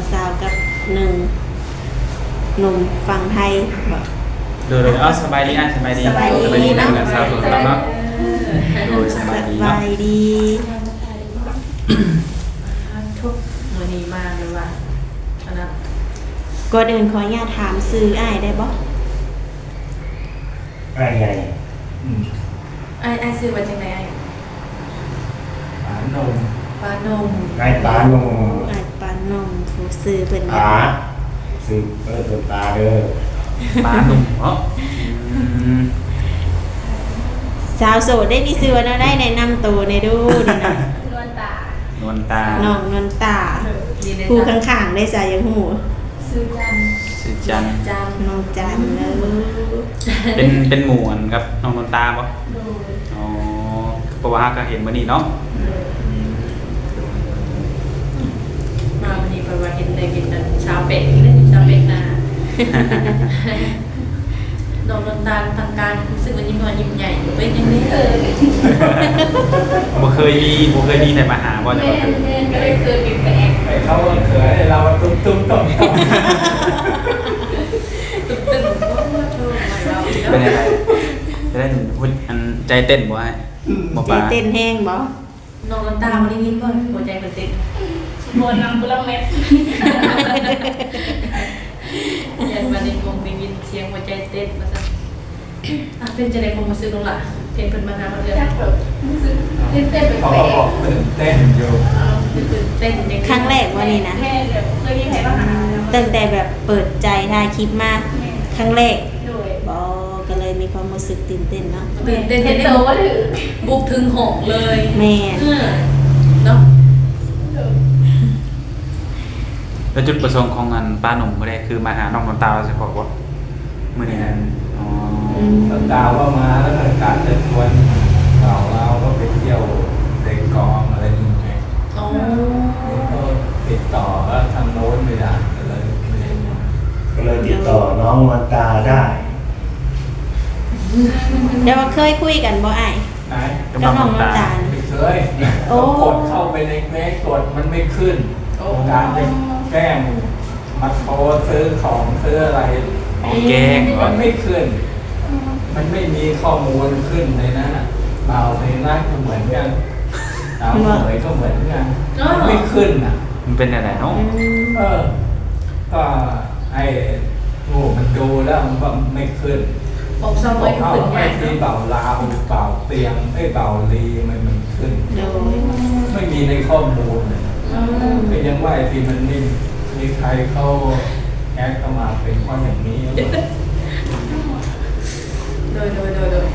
สาวกับหนึ่งหนุ่มฝั่งไทยบอกโดยเอาสบายดีอ่ะสบายดีสบายดีนั่งกันสาวสุดแล้วเนาะโดยสสบายดีบาเนาะยดีทุกมือนี้มากเลยว่ะอันนั้นก่อนอื่นขออนุญาตถามซื้ออ้ายได้บ่ไอ้ไงไอ้ซื้อมาจากไหนไอ้ปานมปลานมไอ้ปานมอ้ายปานนมผู้ซื้อเป็นหยังปาซื้อตัวตาเด้อปลาหนุ่มเนาะอืมสาวโสดได้มีซื้อว่าแนวได้แนะนำตัวในดูนี่นะนวลตานวลตาน้องนนตาดีในผู้จันข้างๆได้จ่ายยังหูซื้อจันชื่อจันจันน้องจันเลยเป็นหมู่อันครับน้องนวลตาปะดูอ๋อเพราะว่าก็เห็นมื้อนี้เนาะอืมมาวันนี้ไปว่าเห็นเลยกินแต่ชาวเป็ดนี่เลยชาวเป็ดนาดอกนวลตาทางการรู้สึกว่ายิ้มน้อยยิ้มใหญ่เป็นยังไงบ่เคยมีแต่มาหาบ่แต่ว่าคือก็เลยเคยมีแปลกไอ้เขาเขยเราตุ้มตุ้มตุ้มตึ๊บตึ๊บว่าโชว์ใหม่เราอีกแล้วเป็นยังไงจะได้หุ่นอันใจเต้นบ่ให้บ่ใจปลาเต้นแห้งบ่น้องนวลตาวันนี้ยิ้มก่อนหัวใจมันเต้นบนนำกุลเม็ดยันวันนี้คงได้ยินเสียงหัวใจเต้นมาซะเป็นจะได้คงมาซื้อตรงหลังเพลงเป็นมานานมาเลยแค่แบบรู้สึกเต้นๆแปลเขากบอกตื่นเต้นอยู่ตื่นเต้นยังครั้งแรกวันนี้นะๆแค่เดี๋ยวเคยมีใครมาหาตั้งแต่แบบเปิดใจถ่ายคลิปมาครั้งแรกโดยก็เลยมีความรู้สึกตื่นเต้นเนาะตื่นเต้นเห็นได้โตว่าถือบุกถึงหงเลยแม่นเนาะแล้วจุดประสงค์ของงานป้าหนุ่มบ่ได้คือมาหาน้องนวลตาเฉพาะบ่มื้อนี้นั่นอ๋อตาว่ามาแล้วก็การจะชวนเราก็ไปเที่ยวเด็กกองอะไรอย่างเงี้ยอ๋อก็ติดต่อแล้วทางโน้นไม่ได้เลยก็เลยติดต่อน้องวันตาได้เดี๋ยวว่าเคยคุยกันบ่อ้ายไหนกับกับน้องน้องนวลน้ำตาตาลไม่เคยโอ้กดเข้าไปในเมสกดมันไม่ขึ้น การจะแกล้งมาโทรซื้อของซื้ออะไรของแกงเหรมัอนไม่ขึ้น มันไม่มีข้อมูลขึ้นในนั้นน่ะเบาในนั้นก็เหมือนกันดาวเหมยก็เหมือนกันมันไม่ขึ้นอ่ะมันเป็นอะไรเนาะเออ ก็ไอ้โง่มันดูแล้วมันก็ไม่ขึ้นผมซ้อมบไว้อกเอาขึ้นไอ้งานที่เบาลาวเบาเตียงไอ้เบาลีมันขึ้นโดยไม่มีในข้อมูลเลยก็ยังว่าไอ้ที่มันนิ่มมีใครเข้าแอดเข้ามาเป็นเพราะอย่างนี้โดย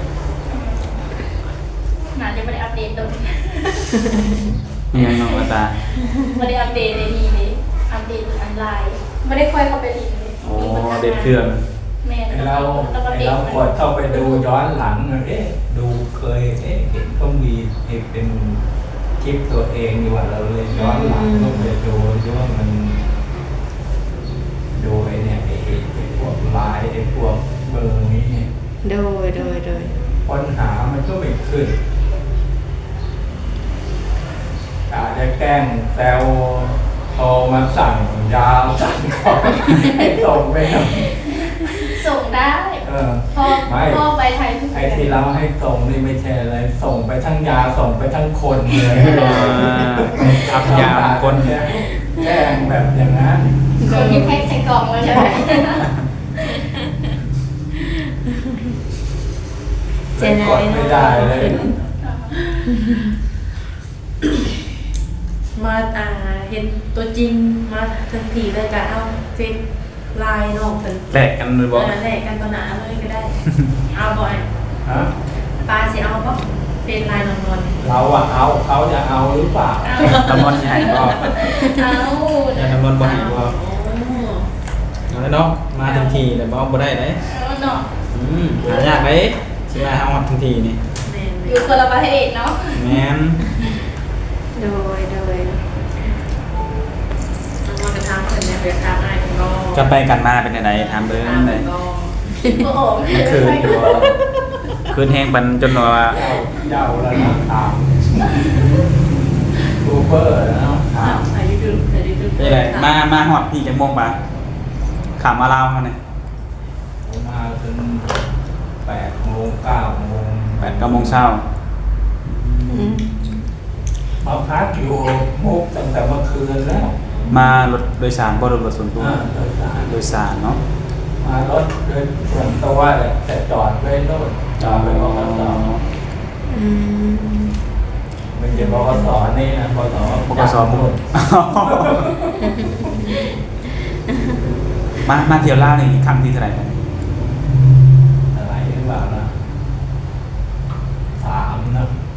น่าจะไม่ได้อัปเดตตรงนี้มีหยังน้องนวลตาไม่ได้อัปเดตในนี้เลยอัปเดตออนไลน์ไม่ได้ค่อยเข้าไปลิงก์เลยโอ้เด็ดเครื่องแม่ไอ้เรากดเข้าไปดูย้อนหลังดูเคยเห็นเขามีเป็นคลิปตัวเองอยู่ว่าเราเลยย้อนหลังก็ไปดูว่ามันดูไอ้เนี่ยไอ้พวกไลน์ไอ้พวกเบอร์นี้เนี่ยโดยค้นหามันก็ไม่ขึ้นอาจจะแกล้งแซวโทรมาสั่งยาวสั่งของให้ส่งไปหน่อยส่งได้เออพ่อไปไทยทุกไอ้ที่เราให้ส่งนี่ไม่ใช่อะไรส่งไปทั้งยาส่งไปทั้งคนเลยทับยาวคนแกล้งแบบอย่างนั้นคนที่แพ็คใส่กล่องมาใช่ไหมเจนกดไม่ได้เลยมาเห็นตัวจริงมาทันทีเลยกันเอาเฟซไลน์น้องเป็นแลกกันเลยบ่แลกกันตัวหนาเลยก็ได้ เอาบ่อยฮะปลาสิเอาบ่เฟซไลน์นอนเราอะเอาเขาจะเอาหรือเปล่าตำนวนใหญ่บ่เอาอย่าตำนวนบ่ให้บ่โอ้เอาเนาะมาทันทีแต่บ่ได้เด้เอาเนาะหายากเด้สิมาเฮาทันทีนี่แม่อยู่คนละประเทศเนาะแม่นโดยเอามากระทำเพิ่นเนี่ยไปทำอ้ายเพิ่นก็จะไปกันมาเป็นไดถามเบิ่งทำได้เพิ่นก็โอ้โหมันคืนอยู่บ่คืนแฮงปันจนว่าเจ้าแล้วนะถามทูเบอร์นะถามอายุดึกนี่แหละมาฮอดพี่จังโมงปะขามมาลาวเขาเนี่ยผมมาจน8 โมง 9 โมง 8-9 โมงเช้ามาพักอยู่มุกตั้งแต่เมื่อคืนแล้วมารถโดยสารบ่รถส่วนตัว โดยสารเนาะมารถโดยส่วนตัวแหละแต่จอดไว้โน่นจอดไว้บกส. ไม่ใช่บกสนี่นะบกสบุญมาเที่ยวลาวนี่ครั้งที่เท่าไหร่กันอะไรหรือเปล่านะ3 นะ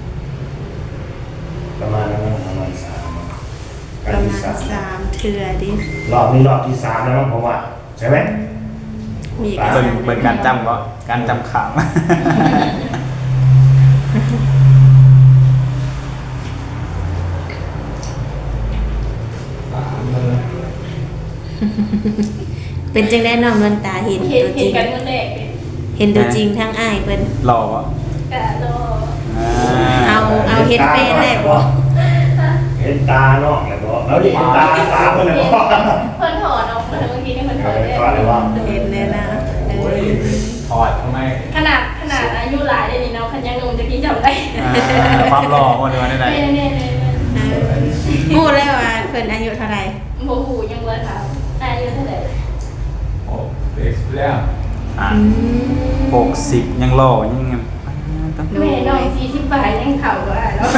ประมาณนั้นนะประมาณ3 ประมาณ3เทื่อดิรอบนี้รอบที่3แล้วมั้งผมว่าใช่ไหมมีเบิ่งการจำก็การจำข่าวเลยเป็นจังได้น้องนวลตาเห็นเห็นตัวจริงกันเมื่อแรกเลยเห็นตัวจริงทั้งอ้ายเพิ่นหล่อวะกะโลเอาเฮ็ดแฟนได้บ่เห็นตาเนาะแล้วก็แล้วดิเห็นตาเพิ่นเลยบ่เพิ่นถอดออกมาเมื่อกี้นี่เพิ่นถอดถอดเลยว่าเห็นเลยนะโอ้ยถอดทำไมขนาดอายุหลายเลยนี่เนาะคันยังงงจะกินจำได้ความหล่อคนเดียวได้เนี่ยพูดแล้วว่าเพิ่นอายุเท่าไหร่โมหูยังเบิร์ถามอายุเท่าไหร่โอ้เด็กแล้ว 60ยังหล่อยังแม่น้อง40 บาทยังเข่าก็ได้แล้ว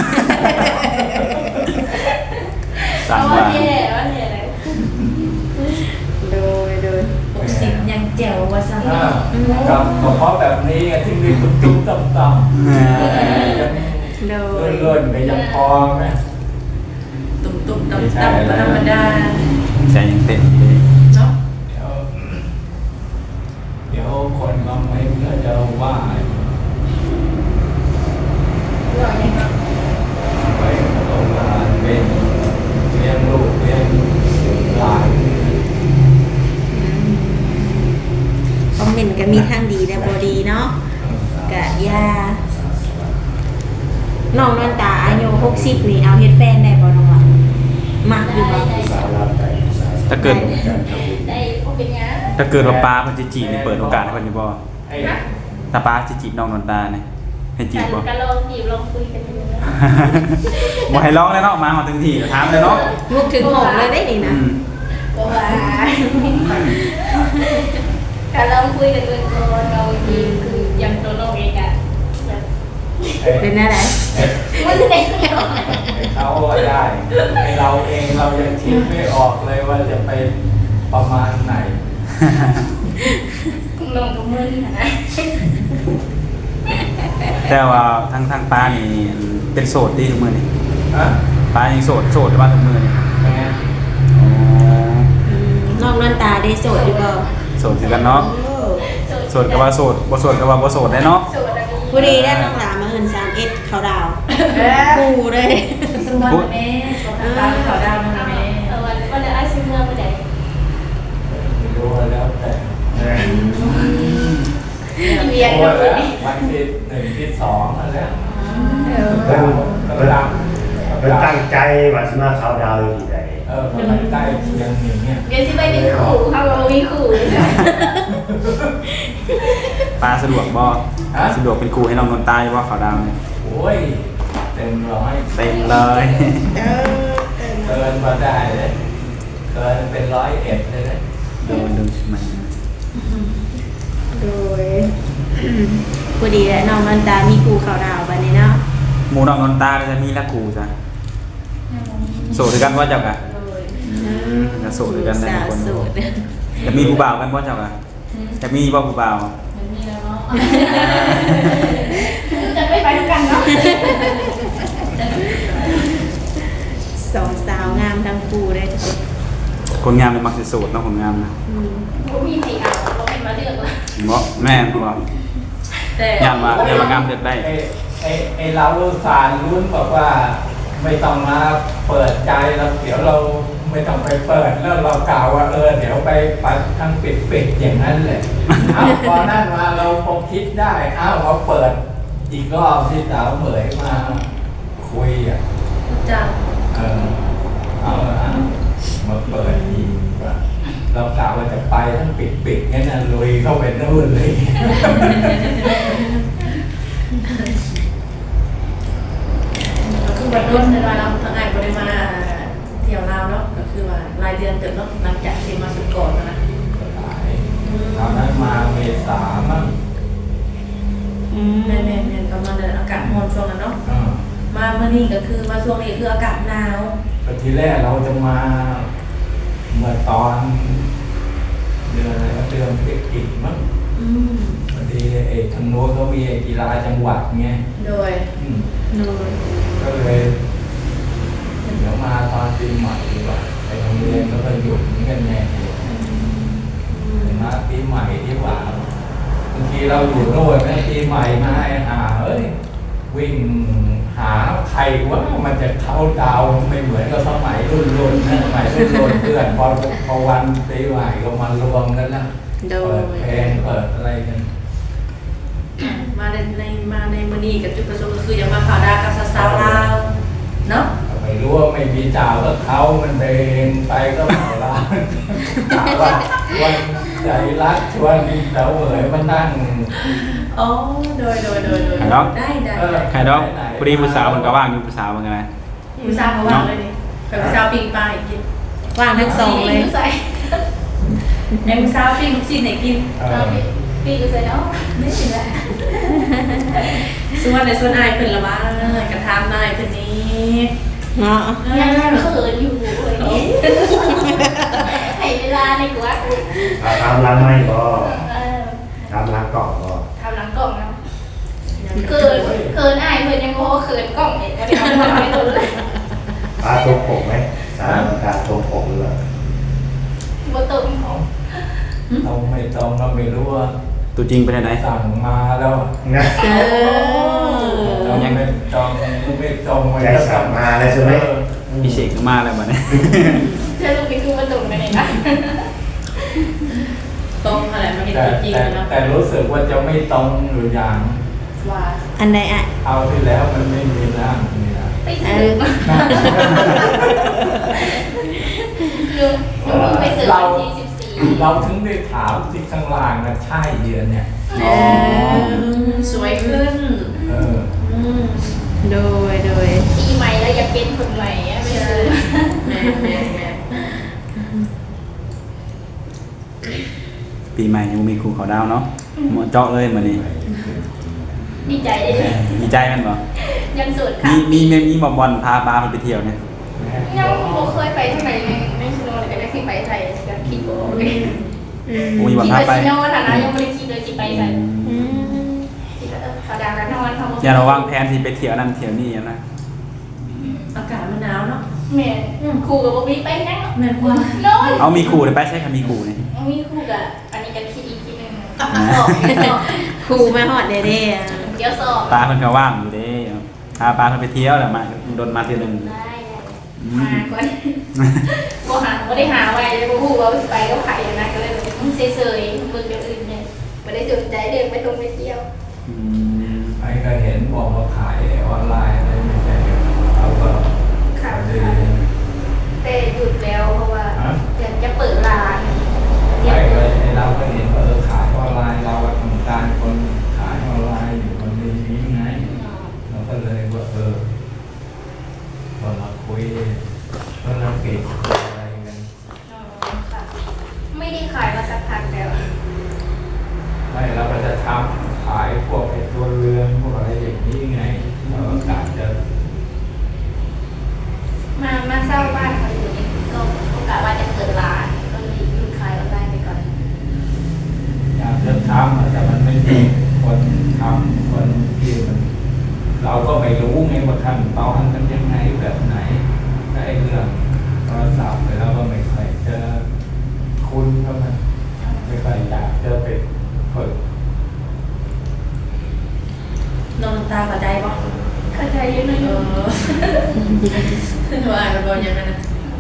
สั่งว่าว่าเนี่ยเลยโดย 60ยังแจ๋วว่าซั่นกับเพราะแบบนี้ที่มีตุ้มๆต่ำๆยังโดยเลื่อนๆไปยังพอไหมตุ่มๆต่ำๆก็ธรรมดาใจยังเต้นอยู่เลยเนาะเดี๋ยวคนคอมเมนต์ก็จะว่าหล่อยังเนาะไปโรงงานเป็นเลี้ยงลูกเลี้ยงหลานคอมเมนต์ก็มีทางดีและบ่ดีเนาะกะยาน้องนวลตาอายุ60นี่เอาเฮ็ดแฟนได้บ่น้องล่ะมักอยู่บ่สาวลาวใจสาวถ้าเกิดได้พวกเป็นยังถ้าเกิดว่าป้าเพิ่นจะจีบนี่เปิดโอกาสให้เพิ่นอยู่บ่ไอ้ถ้าป้าจะจีบน้องนนตาเนี่ยให้จีบบ่กันลองจีบลองคุยกันดูนะบ่ให้ร้องเลยเนาะมาถึงที่ถามเลยเนาะมุกถึงหงเลยได้นี่นะก็ว่าการลองคุยกันดูก่อนเราทีคือยังตัวน้องเองอะแบบเป็นอะไรมันเด็กเขาได้ไอ้เราเองเรายังคิดไม่ออกเลยว่าจะไปประมาณไหนน้องกับมึนนะแต่ว่าทางป้านี่เป็นโสดที่ทุกมื้อนี่ฮะป้ายังโสดหรือว่าทุกมื้อนี่แม่น้องนวลตาได้โสดอยู่บ่โสดคือกันเนาะโสดก็ว่าโสดบ่โสดก็ว่าบ่โสดได้เนาะโสดอันนี้ผู้ดีได้น้องหลามาเอิ้น31เขาดาวกูเลยสวัสดีแม่สวัสดีตาขาวดาวนะแม่วันนี้ไอ้ซิเมื่อไปไหนไม่รู้แล้วแต่เรียนโอ้กับแล้วนี่วันที่1ที่2นั่นแหละเพิ่นกำลังเพิ่นตั้งใจว่าสิมาเข้าดาวอยู่ที่ใดกำลังใกล้เคียงอย่างเงี้ยเรียนที่ไม่มีขู่เขาบอกมีขู่ป้าสะดวกบ่สะดวกเป็นครูให้น้องนนตาอยู่บ่ขาวดาวนี่โอ้ยเต็มร้อยเต็มเลยเกินมาได้เลยเกินเป็น101เลยนะดูมันโดยผู้ดีและน้องนวลตามีกูเขาดาวบัดนี้เนาะหมู่น้องนนตาจะมีละครูจ้ะโสดด้วยกันบ่เจ้ากะจะโสดด้วยกันได้สาวคนโสดจะมีผู้บ่าวกันบ่เจ้ากะจะมีบ่ผู้บ่าวมันมีแล้วเนาะจะไม่ไปด้วยกันเนาะสองสาวงามทั้งคู่เลยทุกคนคนงามเลยมักสิโสดเนาะคนงามนะผมมีสีอ่ะเราเป็นมาเลือกละบ่แม่นบ่แต่ยามว่างามเลือกได้ไอ้เราสารลุ้นบอกว่าไม่ต้องมาเปิดใจแล้วเดี๋ยวเราไม่ต้องไปเปิดแล้วเรากล่าวว่าเดี๋ยวไปปัดทั้งปิดอย่างนั้นแหละ เอาพอนั่นมาเราคงคิดได้เราเปิดอีกรอบที่สาวเหมยมาคุยอ่ะจังเอามาเปิดเข้าไปนู่นเลยก็คือวันรุ่นในวันเราทางไงบริมาเที่ยวลาวเนาะก็คือว่ารายเดือนเติมเนาะหลังจากที่มาสุดก่อนนะหลายตอนนั้นมาเมษามั้งแม่ประมาณนั้นอากาศร้อนช่วงนั้นเนาะอ่ามาเมื่อนี้ก็คือมาช่วงนี้คืออากาศหนาวก็ทีแรกเราจะมาเมื่อตอนเดือนอะไรวะเดือนพฤศจิกมั้ง พอดีไอ้ทางโน้นเขามีไอ้กีฬาจังหวัดไงโดยอืมโดยก็เลยเดี๋ยวมาตอนปีใหม่ดีกว่าไอ้โรงเรียนก็หยุดเหมือนกันแน่มาปีใหม่ดีกว่าบางทีเราอยู่โน่นแม่ปีใหม่มาไอ้เอ้ยวิ่งหาใครว่ามันจะเข้าดาวไม่เหมือนกับสมัยรุ่นนะสมัยรุ่นเพื่อนพอวันปีใหม่ก็มารวมกันนะโดเปิดยเพลงเปิดอะไรกันมาในมื้อนี้กับจุดประสงค์ก็คือจะมาข่าวดากับสาวๆลาวเนาะไม่รู้ว่าไม่มีเจ้าก็เขามันเดินไปก็เมาล้านถามว่าวันใจรักชวนเดาเหวยมานั่งอ๋อโดยได้ใครดอกพอดีผู้สาวมันก็ว่างอยู่ผู้สาวเหมือนกันนะผู้สาวเขาว่างเลยนี่กับผู้สาวปิ้งปลาให้กินว่างทั้งสองเลยใส่ในผู้สาวปิ้งลูกชิ้นให้กินปีก็ใส่เนาะไม่ใช่ละส่วนอายเพิ่นละว่ากระทำนายเพิ่นนี้เนาะยังเขินอยู่เลยนี่ให้เวลาในกว่าตามร้านไม่ก็ตามร้านกล่องก็ทำหลังกล่องนะเขินอายเพื่อนยังโง่เขินกล่องเห็นว่าทำไม่ถูกเลยปลาตัวผมไหมสามการตัวผมหรือเปล่าบ่ตรงของเราไม่ต้องเราไม่รู้ว่าตัวจริงเป็นยังไงสั่งมาแล้วนะเออเราไม่ต้องไว้ใจสั่งมาเลยใช่ไหมพี่เสกก็มาแล้วบัดนี้เชื่อลูกไปคือมันตรงกันเลยนะตรงอะไรมาเห็นแต่จริงแต่เนาะแต่รู้สึกว่าจะไม่ตรงหรืออย่างว่าอันใดอ่ะเอาที่แล้วมันไม่มีร่างนี่นะไปซื้อลุงไปซื้อวันที่14 เราถึงได้ถามที่ข้างล่างนะใช่เดือนเนี่ยอ๋อสวยขึ้นเออโดยปีใหม่แล้วอยากเป็นคนใหม่อะไม่ซื้อแม่ปีใหม่ยังมีครูเขาดาวเนาะหมดเจาะเลยมื้อนี้ดีใจเลยดีใจแมันบ่ยังโสดค่ะมีบอลพาปลาไปเที่ยวเนี่ยยังบ่เคยไปทางไหนเลยไม่ชิโนเลยก็ได้ขึ้นไปไทยกันคิดบ่เลยโอ้ยบอลคิดพาว่าไปชิโนฐานะยังไม่ได้คิดเลยจิไปไทยอืมคิดว่าเขาดังแล้วนอนทำอย่าระวังแผนที่ไปเที่ยวนั่นเที่ยวนี่นะอากาศมันหนาวเนาะแม่ครูกับบ่มีไปนั่งแม่กว่านอนเอามีครูเลยไปใช่ค่ะมีครูนี่มีครูกับอันนี้กันคิดอีกทีนึงครูมาฮอดเด้ๆอ่ะเดี๋ยวสอบปลาเพิ่นก็ว่างอยู่เด้พาปลาเพิ่นไปเที่ยวแล้วมาโดนมาเที่ยวนึงได้มาก่อนบ่ได้หาไว้เลยบ่ฮู้ว่าสิไปกับไผนะก็เลยมึงเฉยๆมึงเดี๋ยวอื่นเนี่ยบ่ได้สนใจเดินไปตรงไปเที่ยวไอ้ก็เห็นบอกว่าขายออนไลน์อะไรไม่ใช่เราก็ค่ะดีแต่หยุดแล้วเพราะว่าอยากจะเปิดร้านไอ้ก็เราก็เห็นว่าขายออนไลน์เราทำการคนขายออนไลน์อยู่คนนี้ไงเราก็เลยว่าพอมาคุยก็เราเก็บอะไรกันไม่ได้ขายมาสักพักแล้วไม่เราก็จะทำขายพวกไอ้ตัวเรือนพวกอะไรอย่างนี้ไงเราก็กะจะมาเช่าบ้านเขาอยู่นี่ก็โอกาสว่าจะเปิดร้านก็เลยหยุดขายออนไลน์ไปก่อนอยากจะทำแต่มันไม่มีคนทำคนที่มันเราก็ไม่รู้ไงว่าขั้นตอนมันยังไงแบบไหนไอ้เรื่องโทรศัพท์เราก็ไม่ค่อยจะคุ้นเท่านั้นไม่ค่อยอยากจะไปฝึกน้องตาเข้าใจบ่เข้าใจอยังไงว่าอ่านบ่ยังไงนะ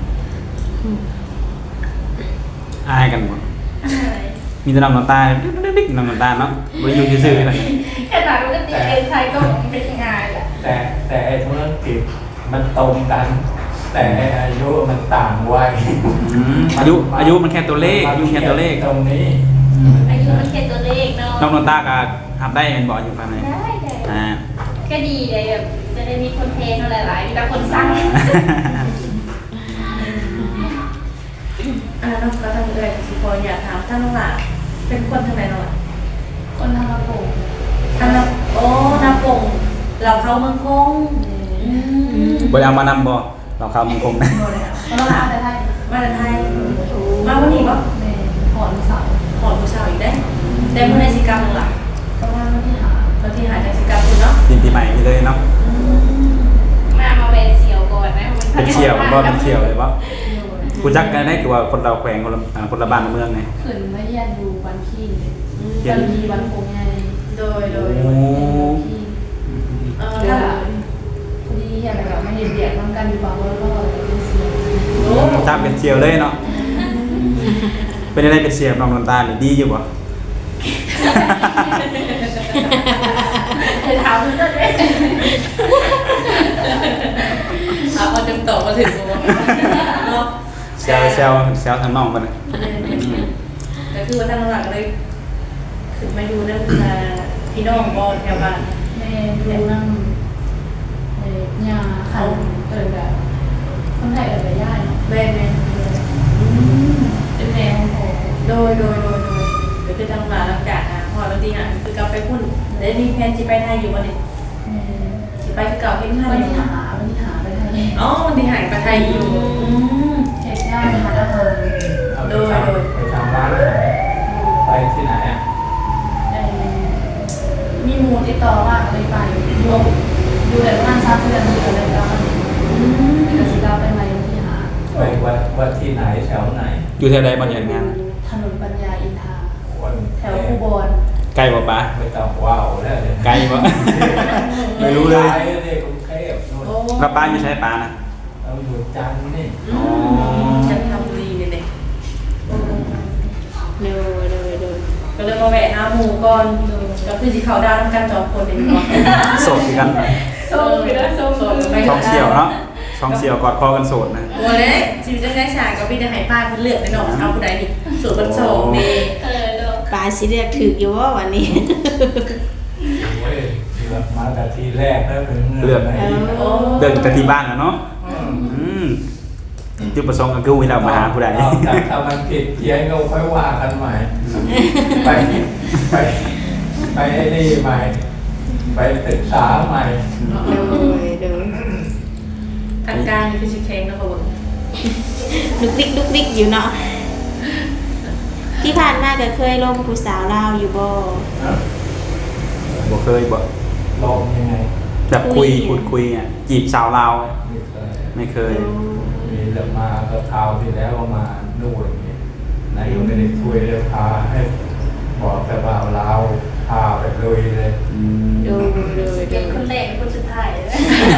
อายกันหมดมีแต่น้ำตาดิ๊กน้ำตาเนาะบ่อยู่ซื่อๆเลยขนาดปกติเอ็นไทยก็เป็นงานแหละแต่ไอ้ธุรกิจมันตรงกัน แต่อายุมันต่างวัยอายุมันแค่ตัวเลขอายุแค่ตัวเลขตรงนี้อายุมันแค่ตัวเลขเนาะน้องนนตาก็ทำได้เป็นบ่อยู่ภายในได้อ่าก็ดีเลยแบบจะได้มีคนเทนอะไรหลายมีแต่คนสั่งน้องก็ทำเลยสิพออยากถามท่านน้องหล่ะเป็นคนทางไหนน้องหล่ะคนทำระบบทางโอ้นาปงเราเข้าเมืองคงบ่ได้เอามานำบ่เราเข้ามังคงนะคนละแต่ไทยมาจากไทยมาวันนี้ปะแม่หอนเสาขอผู้สาวอีกได้แต่เมื่อในสิกรรมน้องหล่ะประมาณวันที่หาตอนที่หาในสิกรรมคุณเนาะยินปีใหม่นี่เลยเนาะมาแวนเชียวก่อนนะเป็นเชียวบ่เป็นเชียวเลยบ่กูจักกันได้คือว่าคนเราแขวงคนละบ้านละเมืองไงขืนไม่ยันดูวันขี้เขียนมีวันคงไงโดยโอ้ถ้าพอดีอะไรแบบไม่เห็นเบียดน้ำกันดีกว่าแล้วก็เป็นเสียงโอ้ถ้าเป็นเชียวเลยเนาะเป็นอะไรเป็นเชียวน้องนนตานี่ดีอยู่บ่เดี๋ยวถามมันก็ได้เอาจำต่อมาถึงตัวเนาะแซวทางน้องมันน่ะก็คือว่าทางหลังเลยคือมาดูนั่นพี่น้องบอลแถวบ้านแม่ดูนั่งยาคันแบบคนไทยแบบย่ายเนาะแม่แม่เป็นแนวของโดยเดี๋ยวคือทางหลังหลังจากพอเราตีหาคือกลับไปพุ่นแล้วมีแพนจีไปไทยอยู่วันนี้จีไปคือเก่าเห็นท่าวันอยู่ที่หาไปทางนี้อ๋อวันที่หายไปไทยอยู่แขกย่ายหาอาหารเอาไปทำร้านอาหารไปที่ไหนอ่ะมีมูลติดต่อว่าอะไรไปดูแต่ประมาณ3 เดือนอยู่อะไรกันเป็นกสิกรรมไปไหมที่หาไปวัดที่ไหนแถวไหนอยู่แถวใดบ่เห็นงานถนนปัญญาอินทราวันแถวคูบอนใกล้บ่ปะไม่ต้องว้าวแล้วเลยไกลบ่ ไม่รู้เลยไปเลยกรุงเทพนู่นโอ้แล้วป้าอยู่ใช้ปลานะเราอยู่จันทร์นี่จันทบุรีเนี่ยโดยก็เลยมาแวะหาหมูก่อนก็คือสิเขาดาวน้ำกัน2 คนเองก่อนโสดคือกันโซ่ไปแล้วโซ่ช่องเสี่ยวเนาะช่องเสี่ยวกอดคอกันโสดนะโอ้ยชีวิตได้ฉากก็พี่จะหายป้าเพิ่นเลือกในน้องเอาผู้ใดดิสูตรบันโซเมเนาะปลาสิเรียกถึกอยู่ว่าวันนี้โอ้ยเลือกมาแต่ทีแรกแล้วเป็นเลือกไหนโอ้เดินแต่ที่บ้านแล้วเนาะจุดประสงค์ก็คือวิเรามาหาผู้ใดเอาแต่ถ้ามันผิดเพี้ยนก็ค่อยว่ากันใหม่ ไปไปไอ้นี่ใหม่ ไปศึกษาใหม่โดยทางการนี่คือชิคเค้งนะพ่อบุญดุกดิกอยู่เนาะที่ผ่านมาก็เคยลงผู้สาวลาวอยู่บ่บ่เคยบ่ลองยังไงแบบพูดคุยอ่ะจีบสาวลาวอะไม่เคยไม่เคยมีเรื่องมาก็คราวที่แล้วก็มานู่นนี่นายก็ไม่ได้คุยเลยพาให้บอกแต่ว่าเราพาไปลุยเลยโดยเป็นคนแรกเป็นคนสุดท้ายเลย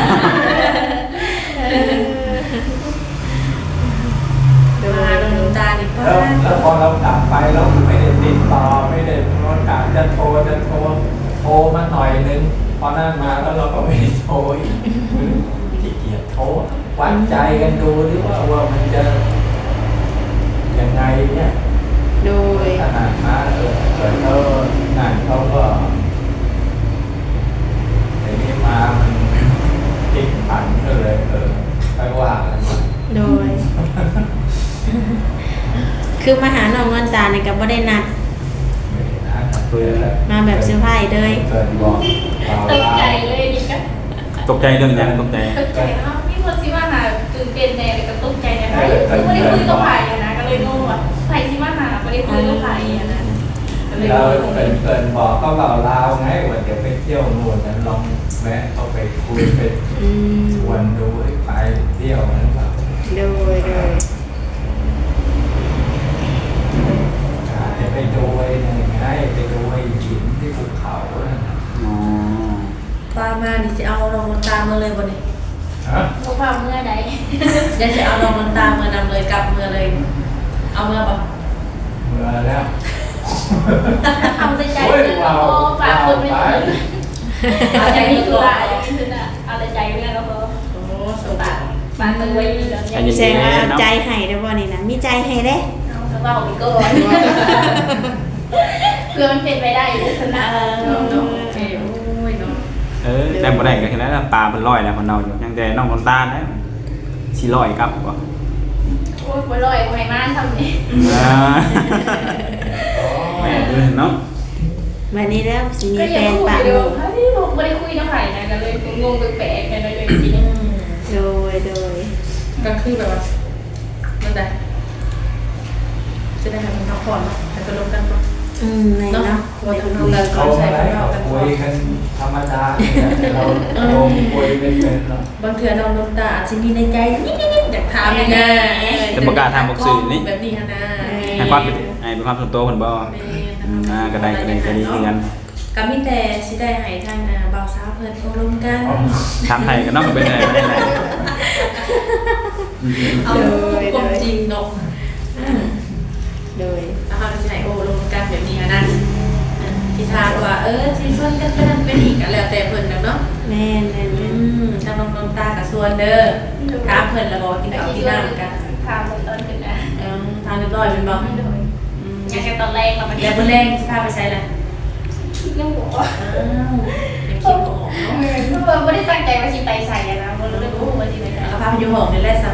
มาลงน้ำตานี่ก็แล้วพอเรากลับไปเราไม่ได้ติดต่อไม่ได้โทรกะจะโทรมาหน่อยนึงพอนั่นมาแล้วเราก็ไม่ได้โทรอีกขี้เกียจโทรวัดใจกันดูหรือว่ามันจะยังไงเนี่ยโดยขนาดมาเกิดเขานั่นเขาก็แต่นี่มามันติดผันก็เลยไปว่ากันมาโดย คือมาหาน้องเงินตาเนี่ยก็บ่ได้นัดไม่ได้นะเกิดแล้วมาแบบเซอร์ไพรส์เลยเกิดบอกเราตกใจเล่าเลยนี่ก็ตกใจเรื่องหยังตกใจตกใจครับมีคนซิมาหาตื่นเต้นแน่เลยก็ตกใจนะคือไม่ได้คุยกับใครนะก็เลยงงว่าใครซิมาหาไม่ได้คุยกับใครนะก็เลยเรางงเกินบอกก็เราไงว่าเดี๋ยวไปเที่ยวนู่นนั้นลองแวะเข้าไปคุยไปอืมชวนดูให้ไปเที่ยวนั้นแบบโดยจะไปดูไอ้นี่ไงไปดูไอ้หินที่ภูเขานั่นน่ะอ๋อป้ามานี่จะเอาน้องน้ำตามาเลยบ่นี่ฮะพวกเราเมื่อใดอยากจะเอาน้องน้ำตาเมื่อนำเลยกลับเมื่อเลย เอาเมื่อบ่เมื่อแล้วทำใจเลยแล้วก็ฝากคนไม่ถึงเอาใจนี่คืออะไรคือน่ะเอาใจเนี่ยแล้วก็โอ้สงฝาสาก รฝากตัวไว้แล้วใจเนี่ยเย็นแสดงว่าๆเนาะใจให้ได้บ่นี่นะมีใจให้เด้เอากระเป๋าไปก่อนโเพื่อมันเป็นไปได้อยู่ในสนามเนาะโอเคโอ้ยเนาะแต่บ่ได้ก็เห็นแล้วปลามันลอยแล้วมันเน่าอยู่ยังแต่น้องน้ำตาลนะสิลอยครับบ่โอ้ยบ่ลอยบ่ให้มาทำนี่แม่เนาะวันนี้แล้วสิมีก็แฟยังนคุยปะเดียวเฮ้ยผมไม่ได้คุยน้ำไผ่นะก็เลยงงแปลกๆกันเลยจริงโดยก็คือแบบว่านั่นแหละจะได้ให้มันพักผ่อนเนาะให้ไปลงกันก่อนในเนาะเนาะว่าทำงานเขาก็ใช้อะไรไปเรากันคุก่อนยกันธรรมดาแต่เราโยมคุยไม่เป็นหรอกบางเทื่อน้องน้ำตาอาจจะมีในใจนิดๆอยากถามเลยนะแต่บ่กล้าถามบอกสื่อนี่แบบนี้ฮะนะให้ความเป็นความส่วนตัวเพิ่นบ่ก็ได้คือกันก็มีแต่สิได้ให้ทางบ่าวสาวเพิ่นอบรมกันถามไทยก็น้องก็เป็นได้บ่ได้ไหนเอาความจริงเนาะโดยแล้วเขาจะให้อบรมกันแบบนี้ฮะนะที่ทางว่าที่ชวนกันไปนั่นไปนี่ก็แล้วแต่เพิ่นนะเนาะแม่นทางน้องตากับส่วนเด้อถามเพิ่นแล้วบ่กินๆแต่ข้าวคิกิดนว่าน้ำกันพาหมดตอนกันนะทานเรียบร้อยเป็นบ่ยังแค่ตอนแรกเรามันแล้วมื้อแรงสิพาไปใช้ล่ะยังบอกว่ายังคิดบ่ออกเนาะคือไม่ได้ตั้งใจว่าชิไปใส่นะมันเลยรู้ว่าที่ไหนแล้วก็พาไปอยู่ห้องนี่แหละซะ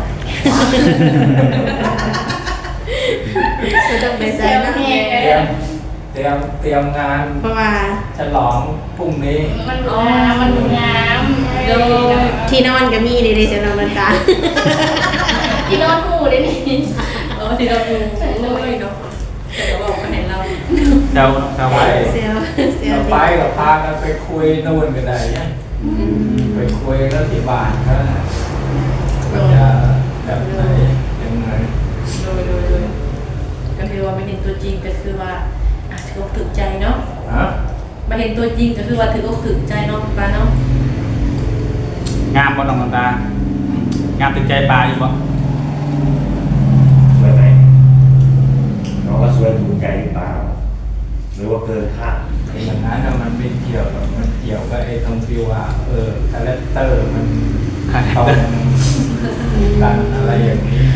ก็ต้องไปเซใส่ลเนาะแห้งเตรียมงานเพราะว่าฉลองพรุ่งนี้มันงามที่นอนก็มีเด้ๆจะนอนบนตาที่นอนหูเลยนี่ที่เราดูโอ้ยเนาะแต่ก็บอกกันให้เราเดาไว้เซลเราไปกับพากันไปคุยนู่นกันได้เนี่ยไปคุยแล้วที่บ้านเขาน่ะว่าจะแบบไหนยังไงโดยก็คือว่าไม่เห็นตัวจริงก็คือว่าถืออกถึกใจเนาะฮะมาเห็นตัวจริงก็คือว่าถืออกถึกใจเนาะป้าเนาะงามบ่น้องน้ำตางามถึงใจปลาอยู่บ่สวยไหมน้องว่าสวยถูกใจหรือเปล่าหรือว่าเกินคาดอย่างนั้นน่ะมันไม่เกี่ยวหรอกมันเกี่ยวกับไอ้ตรงที่ว่าคาแรคเตอร์มันต้องกันอะไรอย่างนี้ไง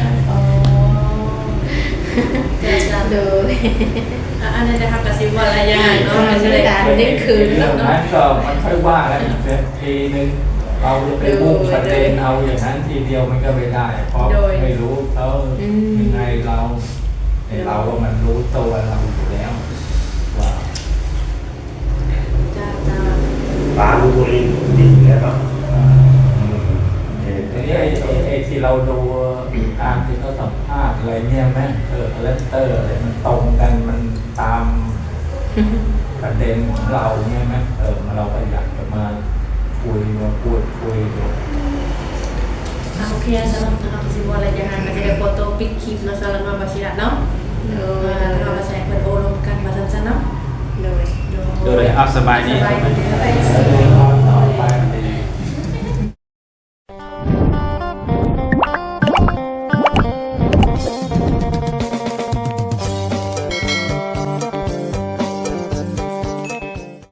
เจ้าจ้าโดยอันนั้นนะครับกระซิบว่าอะไรยังไงเนาะไม่ไม่ใช่ใช่เลยได้คืนเรื่องเนาะนั้นก็มันค่อยว่ากันอีกทีนึงเราจะไปมุ่งประเด็นเอาอย่างนั้นทีเดียวมันก็ไม่ได้ เพราะไม่รู้เขายังไงเราไอ้เราว่ามันรู้ตัวเราอยู่แล้วว่าจ้าจ้าปลาลูกบุรีดีอยู่แล้วเนาะทีนี้ไอ้ที่เราดูตามที่เขาสัมภาษณ์อะไรเนี่ยแม่คาแรคเตอร์อะไรมันตรงกันมันตามประเด็นของเราเนี่ยไหมเราก็อยากจะมาคุยมาพูดคุยดูโอเคสำหรับนะครับกระซิบว่าอะไรยังไงก็จะได้โฟโต้ปิดคลิปเนาะสำหรับน้องบาชิระเนาะโดแล้วยเรามาแชร์เปิดโอลมกันมาสั้นๆเนาะโดยโดยเอาสบายดีสบายดี